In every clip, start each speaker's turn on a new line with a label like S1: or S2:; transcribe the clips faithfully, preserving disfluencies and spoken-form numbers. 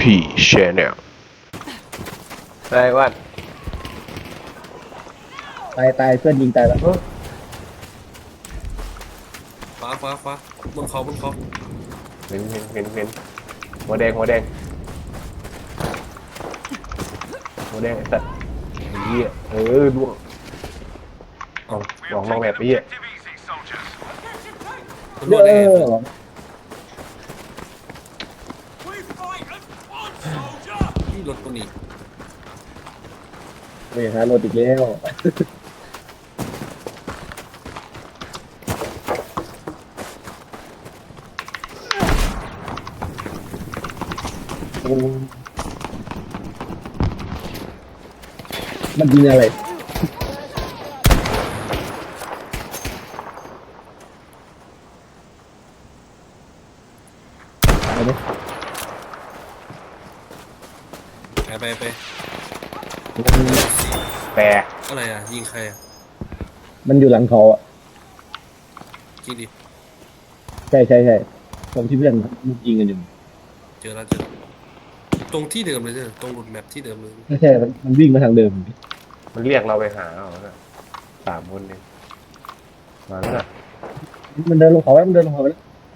S1: พี Channel ได้วัด
S2: ตายตายเพื่อนยิงตายแล้ว
S3: ฟ้าฟ้าฟ้าบนเขาบนเขา
S1: เห็นเห็นเห็นเห็นหัวแดงหัวแดงหัวแดงไอ้สัตว์ไอ้เหี้ยเออล่วงเอาลองลองแบบนี้อ่ะ
S3: มัน
S2: เย
S3: รวดได้ไง
S2: อะ
S3: ที่รถตัวนี้
S2: นี่ฮะรถอีกแล้วมันยิงอะไรไปดิ
S3: ไปไปไป
S1: แปร
S3: อะไรอ่ะยิงใครอ่ะ
S2: มันอยู่หลังเขาอ่ะ
S3: จริงดิ
S2: ใช่ใช่ใช่ตรงที่เพื่อนยิงกันอยู่
S3: เจอแล้วเจอแล้วตรงที่เดิมเลยเจอตรงรูทแมปที่เดิมเลย
S2: ไม่ใช่มันมันวิ่งมาทางเดิม
S1: มันเรียกเราไปหาเอาน่ะสามคนเองมาแล้วน่ะ
S2: มันเดินลงเขาแล้วมันเดินลงเขาไปแล้ว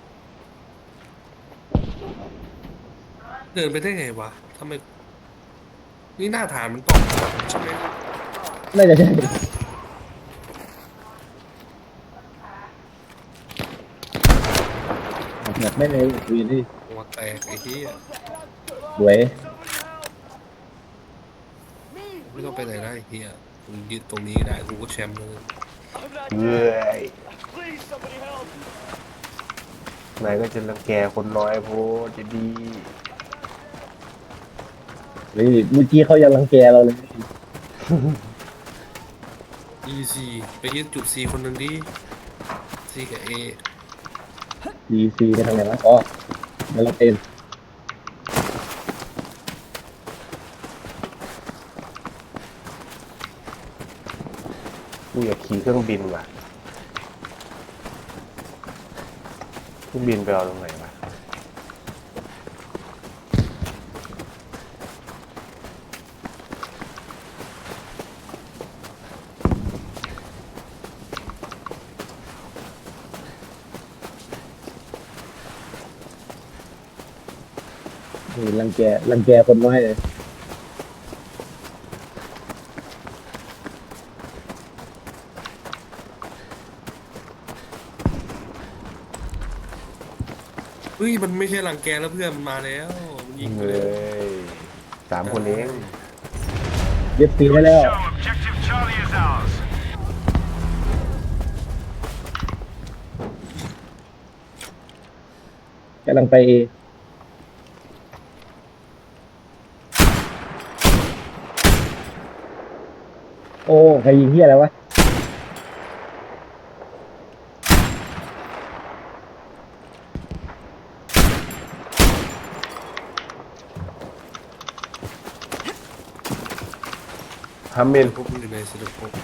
S3: เดินไปได้ไงวะทำไมนี่หน้าฐานมันตอกใช่ไหม
S2: น่าจะใช่แบบไม่เลยคุยที่
S3: หัวแตกไอ้ที่
S2: สวย
S3: ไม่ต้องไปไหนได้ไอ้ที่มึงยืนตรงนี้ก็ได้กูก็แชมป์เลย
S1: เฮ้ยนายก็จะรังแกคนน้อยโพดจะดี
S2: เฮ้ยเมื่อกี้เขายังรังแกเราเลย
S3: อีซีไปยึดจุดซีคนหนึ่งดิซีกับเอ
S2: ซีซีไปทางไหนวะอ๋อมันเราเป็น
S1: กูอยากขี่เครื่องบินว่ะเครื่องบินไปเอาตรงไหนวะ
S2: นี่รังแกรังแกคนน้อยเลย
S3: เฮ้ยมันไม่ใช่รังแกแล้วเพื่อนมันมาแล้วมันยิงไป
S1: เล
S3: เลย
S1: ยสามคนเอง
S2: เย็บซีได้แล้ว
S4: Objective Charlie is ours.
S2: กำลังไปเอโอ้ใครยิงเฮียอะไรวะ
S1: ฮัมเมน
S3: พวกมันอยู่ในสนุกพวก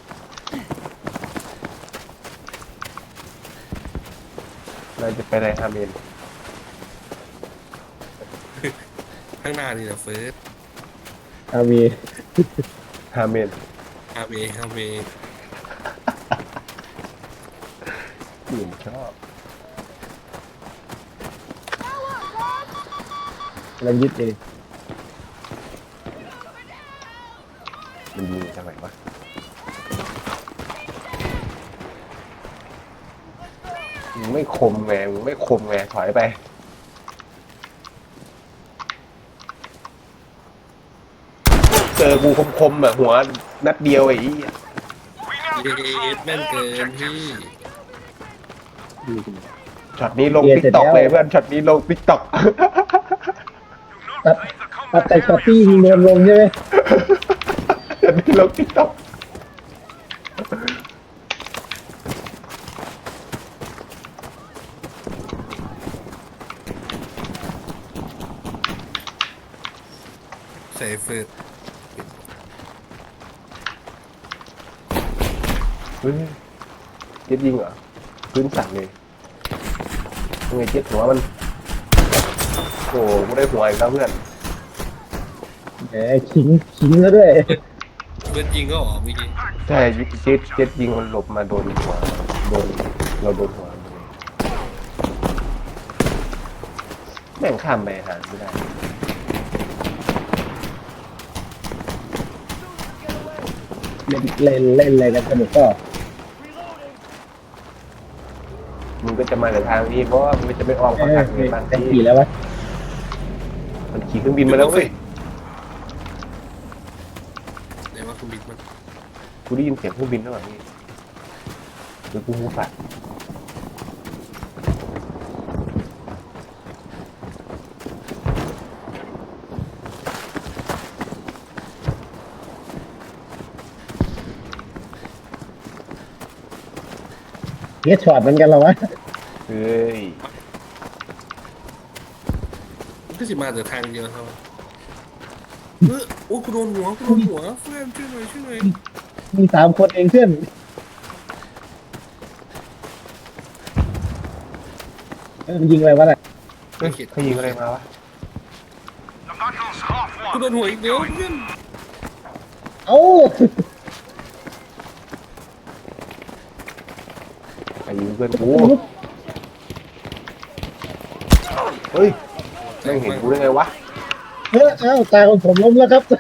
S1: เราจะไปไหนฮัมเมน
S3: ข้างหน้านี่แหละเฟิร์ส
S2: อามี
S1: ฮัมเมน
S3: ฮาเมฮาเม
S1: อื่นชอบ
S2: กำลังยึดเอ
S1: มันยิงทางไหนวะมึงไม่คมไงมึงไม่คมไงถอยไปเจอกูคมๆแบบหัวนัดเดียวไอ้อี๋
S3: เย็ดแม่นเกินพี่
S1: ช็อตนี้ลงติ๊กต็อกเลยเพื่อนช็อตนี้ลงติ๊กต็อก
S2: ตัดตัดแต่ช็อตตี้ยิงโดนลงใช่ไหม
S1: ช็อตนี้ลงติ๊กต็อก
S3: ใส่เฟิร์ส
S1: เฮ้ยเจ็ดยิงเหรอพื้นสั่นเลยยังไงเจ็ดหัวมันโอ้ไม่ได้หัวอีกแล้วเพื่อน
S2: แหมขิงขิงแล้วด้วย
S3: เบิร์ดยิงก็หรอเมื่อกี้
S1: ใช่เจ็ดเจ็ดยิงคนหลบมาโดนหัวโดนเราโดนหัวแม่งข้ามไปหาไม่ได้
S2: เล่นเล่นเล่นอะไรกันสนุกก็
S1: มึงก็จะมาแต่ทางนี้เพราะว่ามันจะไม่อ้อม
S2: เอ
S1: เข้า
S2: อ
S1: ทางนี้บ้าน
S2: แต่
S1: ที่
S2: ขี่แล้ววะ
S1: มันขี่เครื่องบินมาแล้วเว้ย
S3: ไหนว่าคุณบิดมัน
S1: กูได้ยินเสียงเครื่องบินแล้วแบบนี้หรือกูหูฝาด
S2: เฮียช็อตเหมือนกันเหรอวะ
S1: เฮ้ย
S3: มันก็สิมาแต่ทางเดียวครับเออโอ้กูโดนหัวกูโดนหัวเพื่อนช่วยหน่อยช่วยหน่อย
S2: มีสามคนเองเพื่อนเออมันยิงอะไรวะน่ะ
S1: เฮ้ยเขายิงอะไรมาวะ
S4: The battle's half
S3: กู
S4: won.
S3: โดนหัวอีกเดียวเพื่อน
S2: เอ้า
S1: ใครยิงเพื่อนกูเฮ้ยแม่งเห็นกูได้ไงวะ
S2: เฮ้ยเอ้าตาของผมล้มแล้วครับ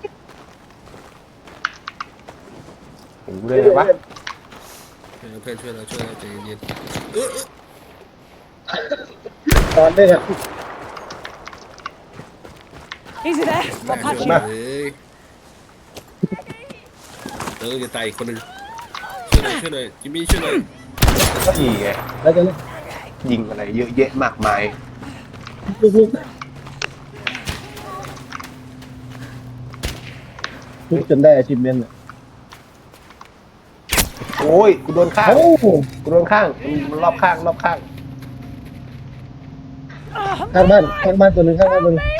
S1: เห็นกูได้ไงวะ
S3: เออเพื่อนช่วยเราช่วยเราใจเย็นๆเออเออ
S2: ตอนนี้ครับ
S5: Easy there.
S3: แม่
S5: I'll
S3: ช่วย
S5: patch
S3: หน่
S5: you.
S3: อยเลยเออจะตายอีกคนหนึ่งช่วยหน่อยช่วยหน่อยจิมมี่ช่วยหน่อย
S1: ก็ยิงไง
S2: แล้วจะเล่น
S1: ยิงอะไรเยอะแยะมากมาย
S2: ลุกๆลุกจนได้ achievement อ่ะ
S1: โอ้ยกูโดนข้าง
S2: เอ้า
S1: กูโดนข้างมันรอบข้างรอบข้าง
S2: ข้างบ้านข้างบ้านตัวหนึ่งข้างบ้านตัวหนึ่ง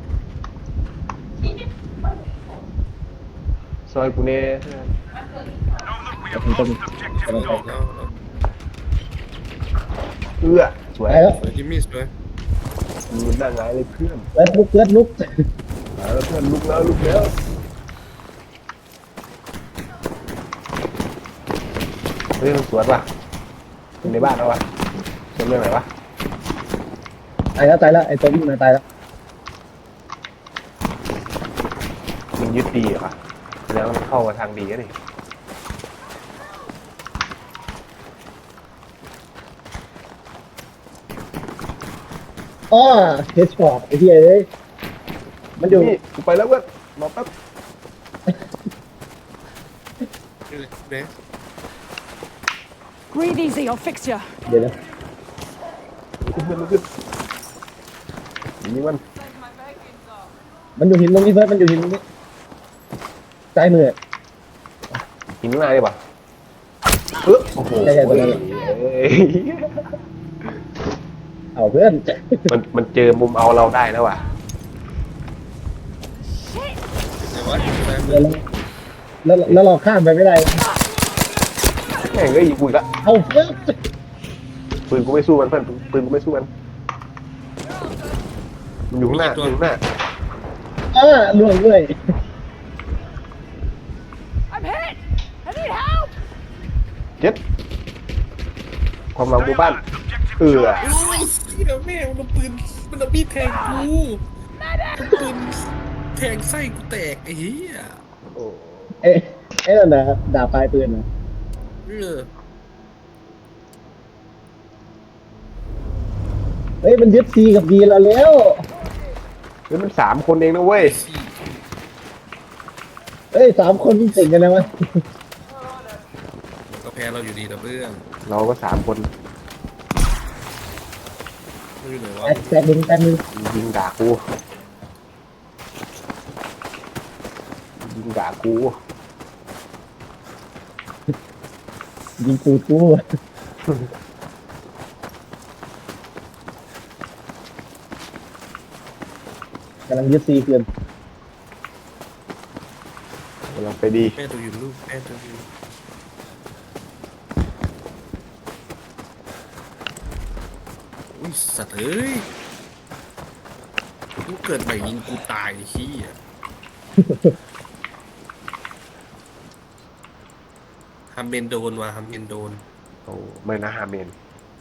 S1: ซอยกูเนี่ย
S4: Know that we have lost objective dog.
S3: แล้ว
S1: เอื้อสวย
S2: ไปแล้ว
S3: แล้วจิมมี่สวย
S1: มึงได้ไงเลยเพื่อน
S2: แล้วลุกเพื่อนลุก
S1: มาแล้วเพื่อนลุกแล้วลุกแล้วเฮ้ยมันสวนว่ะอยู่ในบ้านแล้ววะสวนเรื่องไหนวะ
S2: ตายแล้วตายแล้วไอ้ตัววิ่งมาตายแล้ว
S1: มันยึดดีเหรอวะแล้วมันเข้ามาทางดีก็ดิ
S2: อ้อเฮดช็อตไอ้เหี้ยเอ้ยมันอยู่
S1: นี่กูไปแล้วเพื่อนรอแป๊บ
S3: เออเด้
S5: Breathe easy. I'll fix you.
S2: เดี๋ยวนะ
S1: ลุกขึ้นลุกขึ้นนี่มัน
S2: มันอยู่หินตรงนี้เพื่อนมันอยู่หินตรงนี้ซ้ายมือ
S1: หินข้างหน้าดิป่ะเออโอ้โห
S2: ใช่ใช่ตรงนั้นแหละ
S1: เอ้ย
S2: เอาเพื่อน
S1: มันมันเจอมุมเอาเราได้แล้วว่ะ
S3: ไหนวะซ้ายมื
S2: เดี๋
S3: อ
S2: ยวแล้วแล้วแล้วเราข้ามไปไม่ได้
S1: แม่งก็ยิงกูอีกละ
S2: เอาเพื่อน
S1: ปืนกูไม่สู้มันเพื่อนปืนกูไม่สู้มันมันอยู่ข้างหน้าอยู่ข้างหน้า
S2: อ้าล่วงด้วย
S5: I'm hit. I need help.
S1: เจ็ดความหวังหมู่บ้านเออ
S3: โอ้ยเดี๋ยวแม่มันเอาปืนมันเอามีดแทงกูมันปืนแทงไส้กูแตกไอ้เหี้ย
S1: โอ้
S2: เอ๊ะเอ๊ะนั่นนะดาบปลายปืนนะ
S3: เออ
S2: เฮ้ยมันยึดซีกับดีเราแล้ว
S1: เฮ้ยมันสามคนเองนะเว้ย
S3: สี่
S2: เฮ้ยสามคนที่เก่งกันนะวะ
S3: มันก็แพ้เราอยู่ดีแต่เพื่อน
S1: เราก็สามคน
S3: มันอยู่ไหนวะ
S2: แตกแตกหนึ่งแตกหนึ่ง
S1: ยิงด่ากูยิงด่ากู
S2: ยิงปูปูกำลังยึดซีเกิน
S1: กำลังไปดี
S3: แม่ตัวอยู่ลูกแม่ตัวอยู่อุ้ยสัตว์เอ้ยกูเกิดใหม่ยิงกูตายไอ้เหี้ยฮัมเบนโดนว่ะฮัมเบนโดน
S1: โอ้ไม่นะฮาเมน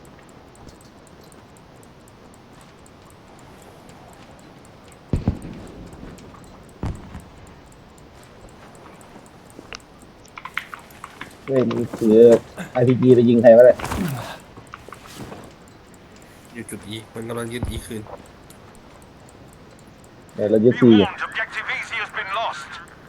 S2: เฮ้ยมันถือไอพีจีไปยิงใครวะเนี่ย
S3: อยู่จุดอีมันกำลังยึดอีคืน
S2: เดี๋ยวเรายึด
S6: Be
S2: ซี
S6: warned, objective easy has been lost.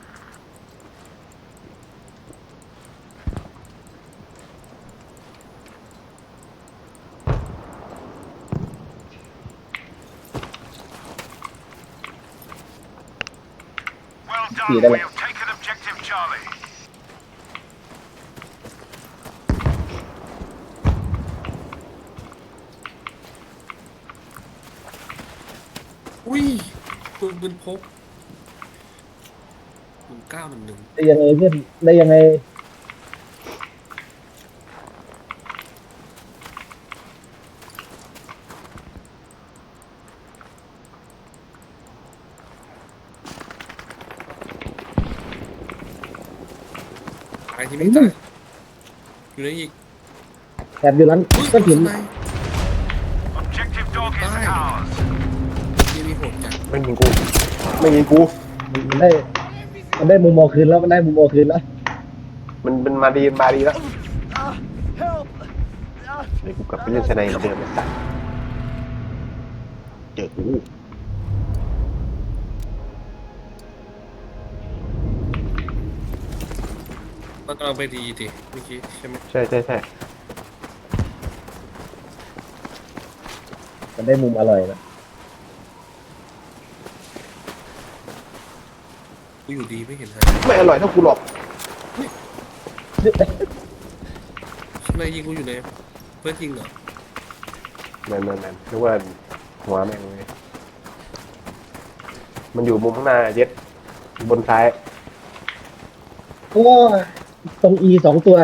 S2: ซี
S6: Well
S2: ได้
S6: done.
S2: เล
S6: We
S2: ย
S6: have taken objective Charlie.
S3: อุ้ยปืนปืนพกหนึ่งเก้าหนึ่งหนึ่ง
S2: ได้ยังไงเพื่อนได้ยังไง
S3: ตายที่ไม่ตายอยู่ในอีก
S2: แอบอยู่หลัง
S3: อุ้ย
S2: ก็ถึง
S3: ข้างใน
S6: Objective dog is
S3: Bye.
S6: ours.
S3: ที่มีโหดจัด
S1: ไม่ยิงกู ไม่ยิงกู
S2: มันได้มันได้มุมมองคืนแล้วมันได้มุมมองคืนแล้ว
S1: มันมันมาดีมาดีแล้วเดี๋ยวกูกลับไปเล่นชนัยเหมือนเดิมไอ้สัสเจอกู
S3: มันกำลังไปดีดิเมื่อกี้ใช่ไหม
S1: ใช่ใช่ใช่
S2: มันได้มุมอร่อยแล้ว
S3: กูอยู่ดีไม่เห็นฮะ
S1: ไม่อร่อยเท่ากูหรอก
S3: ข้างในยิงกูอยู่ไหนเพื่อนยิงเหรอ
S1: แมนแมนแมนนึกว่าหัวแม่งเลยมันอยู่มุมข้างหน้าเย็ดบนซ้าย
S2: โอ้ตรงอีสองตัว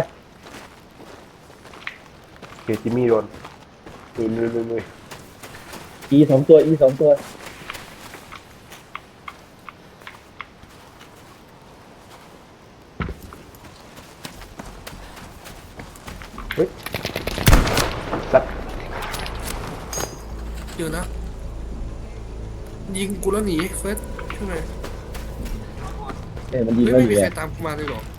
S1: เกจิมมี่โดนลุยลุยลุยลุย
S2: อีสองตัวอีสองตัว
S1: เฮ้ยสัตว์
S3: เดี๋ยวนะยิงกูแล้วหนีเฟิร์สใช่ไหม
S2: เอ้ยมันยิง
S3: ไม่
S2: เราอ
S3: ไม่มี
S2: ยู่
S3: ใคร
S2: อะ
S3: ตามกูมาเลยเหรอ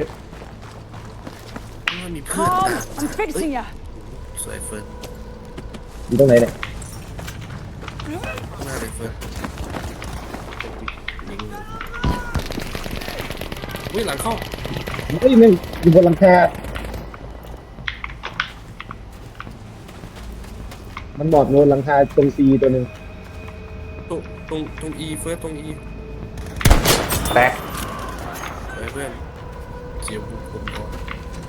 S3: ไม่มีเพื่อน
S5: Calm. I'm fixing you.
S3: สวยเฟิร์ส
S2: อยู่ตรงไหนเนี่ย
S3: ข้างหน้าเลยเฟิร์สยิงเลยอุ้ยหลังเข้า
S2: เฮ้ยแม่งอยู่บนหลังคา มันหมอบโนนหลังคาตรงซีตัวหนึ่ง
S3: ตรงตรงตรงอีเฟิร์สตรงอี
S1: แตก
S3: สวยเพื่อนเสียบุกผมก่อน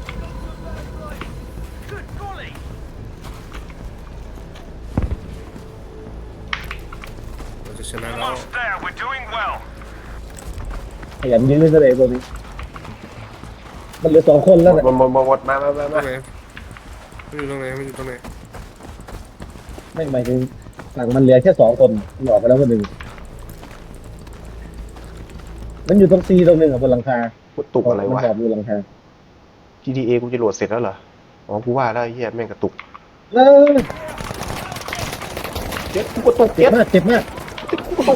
S3: เราจะชนะแล้ว
S6: Almost there. We're doing well.
S2: ขยันยื้อซะเลยตัวนี้ มันเหลือสองคนแล้ว
S1: หม
S2: เนี่ย
S1: ดหมดหมดหมดมามามา
S3: ตร
S1: มาง
S3: ไหนไม่อยู่ตรงไหนไม่อยู่ตรงไหน
S2: ไม่หมายถึงฝั่งมันเหลือแค่สองคนมันออกไปแล้วคนหนึ่งมันอยู่ตรงซีตรงหนึ่งอ่ะบนหลังคา
S1: กูตุกอะไร
S2: มัน
S1: วะ
S2: หอบอยู่หลังคา
S1: จี ที เอ กูจะโหลดเสร็จแล้วเหรอ อ๋อ กูว่าแล้วไอ้เหี้ยแม่งกระตุก
S2: เออ
S1: เจ็ดกูกระตุก
S2: เจ็
S1: เจ็
S2: บ
S1: ด
S2: มากเจ็บมาก
S1: กูกระตุก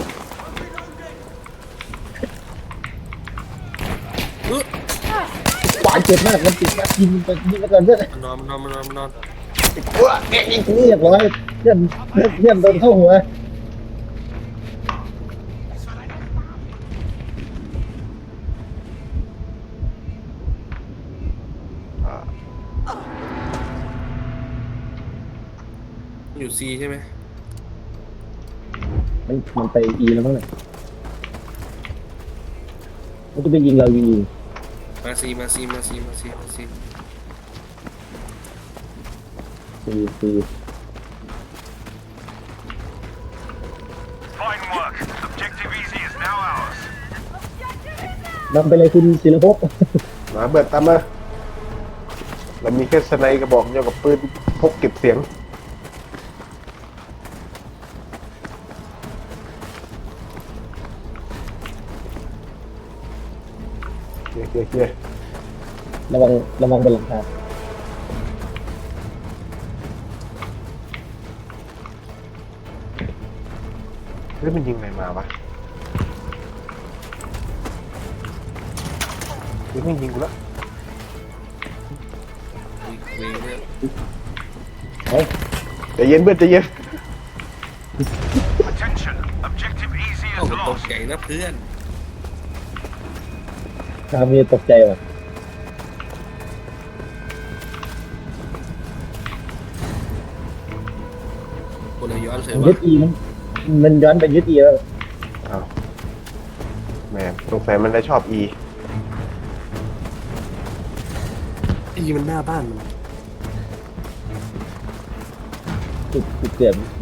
S3: เออ
S2: หวานเจ็บมากมันติดมากยิงไปยิงไปก่อนเพื่อน
S3: มันนอนมันนอนมันนอนมันนอน
S1: กูอะแกยิงกู
S2: เรียบร้อยเพื่อนเพื่อนเพื่อนโดนเข้าหัว
S1: อ่า
S3: มันอยู่ซีใช่ไหม
S2: มันมันไปอีแล้วมั้งเนี่ยมันจะไปยิงเรายิง
S3: มาซีมาซีมาซีมาซีมาซี
S2: ซีซี
S6: Fine work. Objective easy is now ours.
S2: นำไปเลยคุณศิลภพ
S1: มาเบิดตามมาเรามีแค่สไนกระบอกเดียวกับปืนพกเก็บเสียง
S2: ม
S1: เฮ้ย
S2: ระวังระวังบนหลังคา
S1: เฮ้ยมันยิงอะไรมาวะเฮ้ยมันยิงกูแล้ว
S3: เวงเนี่ย
S2: เฮ้ย
S1: ใจเย็นเพื่อนใจเย็น
S6: Attention. Objective easy
S3: เอ้า
S6: is
S3: ตก
S6: lost.
S3: ใจนะเพื่อน
S2: คามีตกใจว่ะ
S3: คนละย้อนเฉย
S2: ยึ
S3: วะ
S2: ดอีมันมันย้อนไปยึดอีแล้ว
S1: อ้าวแม่งสงสัยมันได้ชอบอี
S3: อีมันหน้าบ้านมัน
S2: จุดจุดเสียบอี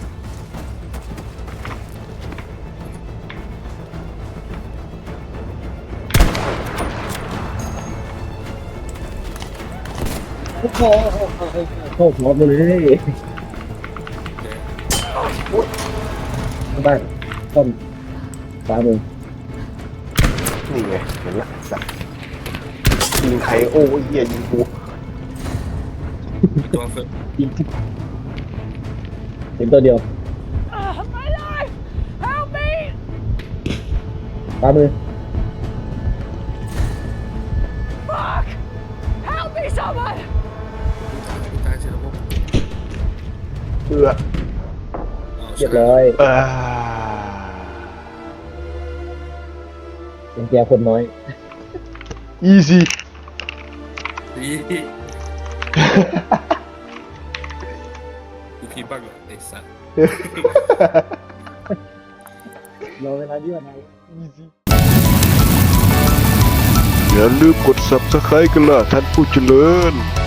S2: โอ้โหโอ้โหพร้อมเลยบ้านต้นฟ้ามือ
S1: นี่ไงเห็นละสัตว์ยิงใครโอ้ยเหี้ยยิงกู
S3: ตัวเฟิร์
S2: ยิงเห็นตัวเดียว
S5: Uh, my life! Help me!
S2: ฟ้ามือ
S5: Fuck! Help me, someone!
S3: ตายเฉยแล้วพวก
S1: เอือ
S2: เรียบร้อย
S1: เออ
S2: เป็นแกคนน้อย
S1: อีซี
S3: ดี กูคิดบ้างเหรอไอ้สัส
S2: รอเวลาดีกว่าไหน
S7: อย่าลืมกด ซับสไครบ์ กันล่ะท่านผู้เจริญ